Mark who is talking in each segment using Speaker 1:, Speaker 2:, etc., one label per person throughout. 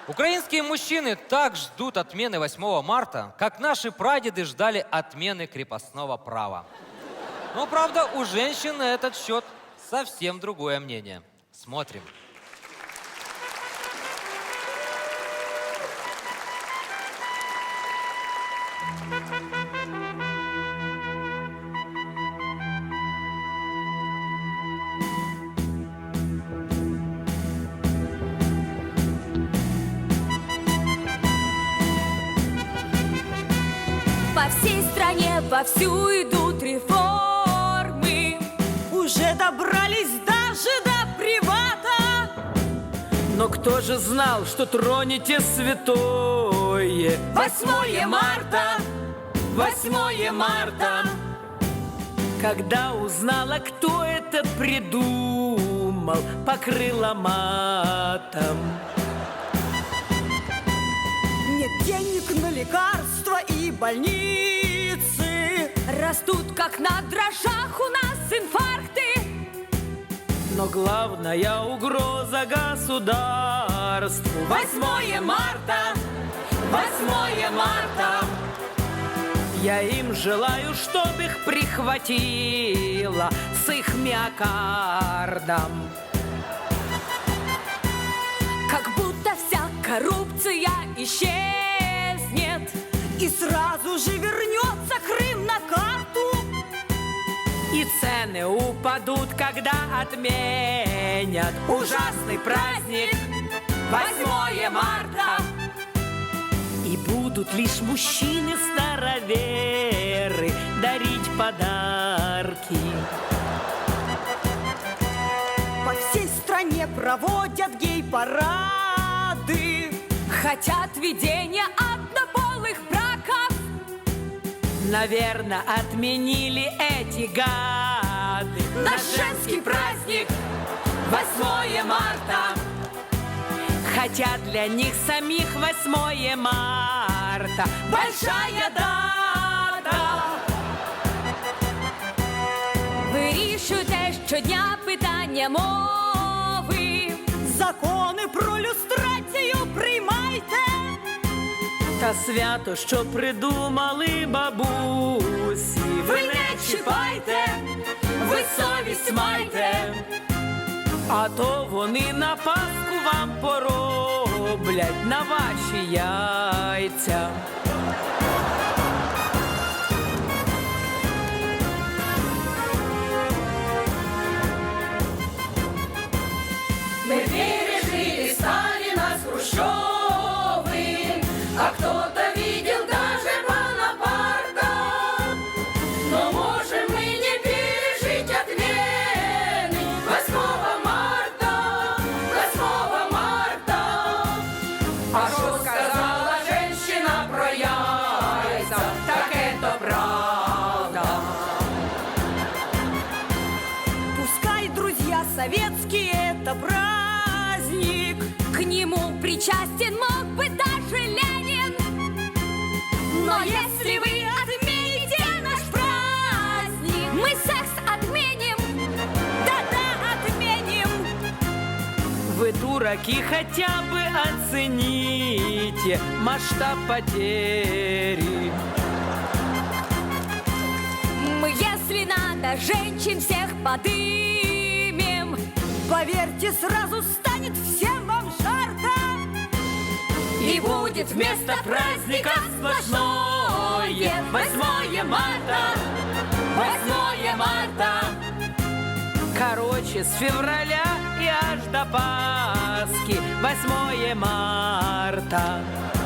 Speaker 1: Украинские мужчины так ждут отмены 8 марта, как наши прадеды ждали отмены крепостного права. Но, правда, у женщин на этот счет совсем другое мнение. Смотрим.
Speaker 2: По всей стране вовсю идут реформы.
Speaker 3: Уже добрались даже до привата.
Speaker 4: Но кто же знал, что тронете святое?
Speaker 3: 8 марта, 8 марта.
Speaker 4: Когда узнала, кто это придумал, покрыла матом.
Speaker 3: Нет денег на лекарства и больницы.
Speaker 2: Растут, как на дрожжах, у нас инфаркты.
Speaker 4: Но главная угроза государству
Speaker 3: 8 марта, 8 марта.
Speaker 4: Я им желаю, чтоб их прихватило с их миокардом.
Speaker 2: Как будто вся коррупция исчезнет.
Speaker 3: И сразу же вернется Крым на карту.
Speaker 4: И цены упадут, когда отменят ужасный праздник
Speaker 3: 8 марта.
Speaker 4: И будут лишь мужчины-староверы дарить подарки.
Speaker 3: По всей стране проводят гей-парады.
Speaker 2: Хотят введения однополых браков.
Speaker 4: Наверное, отменили эти гады
Speaker 3: Наш женский праздник 8 марта.
Speaker 4: Хотя для них самих 8 марта
Speaker 3: Большая дата.
Speaker 2: Вирішуйте щодня питання мови.
Speaker 3: Закони про люстрацію приймайте.
Speaker 4: та свято, що придумали бабусі.
Speaker 3: Ви не чіпайте, ви совість майте.
Speaker 4: А то вони на Пасху вам пороблять на ваші яйця.
Speaker 3: Мы пережили Сталина с Хрущевым, а кто-то видел даже Бонапарта. Но можем мы не пережить отмены 8 марта, 8 марта. А что сказала женщина про яйца, так это правда. Пускай друзья советские это праздник,
Speaker 2: К нему причастен мог бы даже Ленин.
Speaker 3: но если вы отмените наш праздник,
Speaker 2: Мы секс отменим.
Speaker 3: да-да, отменим.
Speaker 4: Вы, дураки, хотя бы оцените масштаб потери.
Speaker 2: Мы, если надо, женщин всех подымем.
Speaker 3: Поверьте, сразу станет всем вам жарко.
Speaker 2: И будет
Speaker 4: Вместо праздника сплошное 8 марта,
Speaker 3: 8 марта.
Speaker 4: Короче, с февраля и аж до Пасхи 8 марта.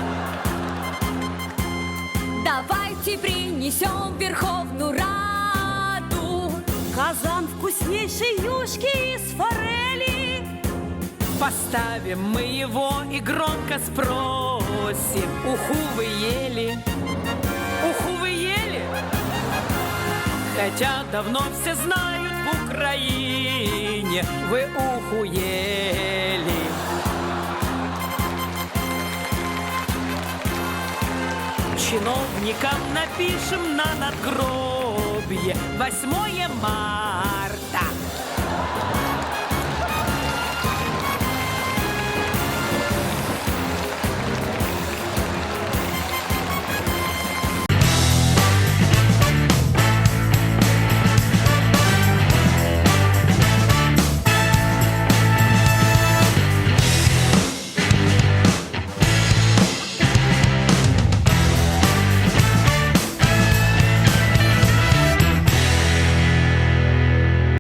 Speaker 2: Давайте принесем в Верховную Раду
Speaker 3: Казан вкуснейшей юшки из форели.
Speaker 4: Поставим мы его и громко спросим: уху вы ели? Уху вы ели? Хотя давно все знают в Украине, вы уху ели. Чиновникам напишем на надгробье 8 марта.